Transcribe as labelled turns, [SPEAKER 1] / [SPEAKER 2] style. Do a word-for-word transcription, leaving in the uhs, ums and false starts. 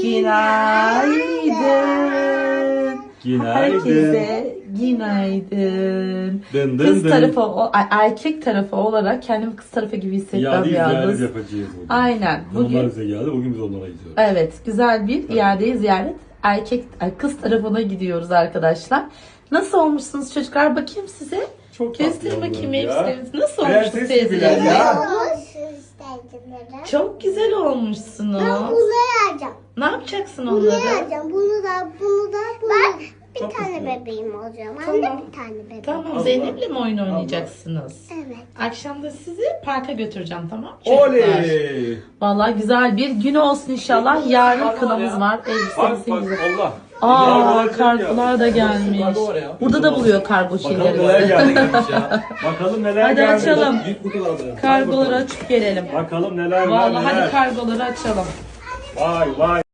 [SPEAKER 1] Günaydın.
[SPEAKER 2] Günaydın.
[SPEAKER 1] Herkese günaydın.
[SPEAKER 2] Dın dın
[SPEAKER 1] Kız
[SPEAKER 2] dın.
[SPEAKER 1] tarafı, o- ay- erkek tarafı olarak kendimi kız tarafı gibi hissetmem
[SPEAKER 2] İade ziyaret
[SPEAKER 1] yalnız.
[SPEAKER 2] yapacağız bugün.
[SPEAKER 1] Aynen.
[SPEAKER 2] Onlar
[SPEAKER 1] Bugün
[SPEAKER 2] bize geldi, bugün biz onlara gidiyoruz.
[SPEAKER 1] evet güzel bir iadeyi ziyaret. Erkek, ay, kız tarafına gidiyoruz arkadaşlar. Nasıl olmuşsunuz çocuklar? Bakayım size.
[SPEAKER 2] Çok tatlı
[SPEAKER 1] Gösterin
[SPEAKER 2] oldular
[SPEAKER 1] bakayım
[SPEAKER 2] ya.
[SPEAKER 1] elbiseleriniz. Nasıl
[SPEAKER 2] Prenses
[SPEAKER 1] olmuşsunuz
[SPEAKER 2] gibiler
[SPEAKER 1] teyzelerim?
[SPEAKER 2] ya.
[SPEAKER 1] Çok güzel olmuşsunuz.
[SPEAKER 3] Ben bunu alacağım.
[SPEAKER 1] Ne yapacaksın
[SPEAKER 3] Bunu
[SPEAKER 1] onları?
[SPEAKER 3] alacağım. Bunu da, bunu da, bunu Ben bir
[SPEAKER 2] Çok
[SPEAKER 3] tane
[SPEAKER 2] güzel.
[SPEAKER 3] bebeğim olacağım.
[SPEAKER 1] Tamam.
[SPEAKER 3] Anne bir tane bebeğim.
[SPEAKER 1] Tamam,
[SPEAKER 2] Allah.
[SPEAKER 1] Zeynep'le mi oyun oynayacaksınız?
[SPEAKER 3] Evet.
[SPEAKER 1] Akşam da sizi parka götüreceğim, tamam mı çocuklar?
[SPEAKER 2] Oley!
[SPEAKER 1] Vallahi güzel bir gün olsun inşallah. Yarın kınamız var.
[SPEAKER 2] Bak
[SPEAKER 1] Elbisemizi
[SPEAKER 2] bak
[SPEAKER 1] güzel.
[SPEAKER 2] Allah.
[SPEAKER 1] Aa,
[SPEAKER 2] Kargolar
[SPEAKER 1] kargolar da gelmiş.
[SPEAKER 4] Kargo var ya.
[SPEAKER 1] Burada da buluyor kargo
[SPEAKER 2] Bakalım neler
[SPEAKER 1] şeyleri.
[SPEAKER 2] gelmiş ya. Bakalım neler
[SPEAKER 1] Hadi
[SPEAKER 2] gelmiş.
[SPEAKER 1] açalım.
[SPEAKER 4] Büyük kutu var orada.
[SPEAKER 1] Kargoları açıp gelelim.
[SPEAKER 2] Bakalım neler var
[SPEAKER 1] Vallahi
[SPEAKER 2] neler.
[SPEAKER 1] hadi kargoları açalım.
[SPEAKER 2] Vay vay.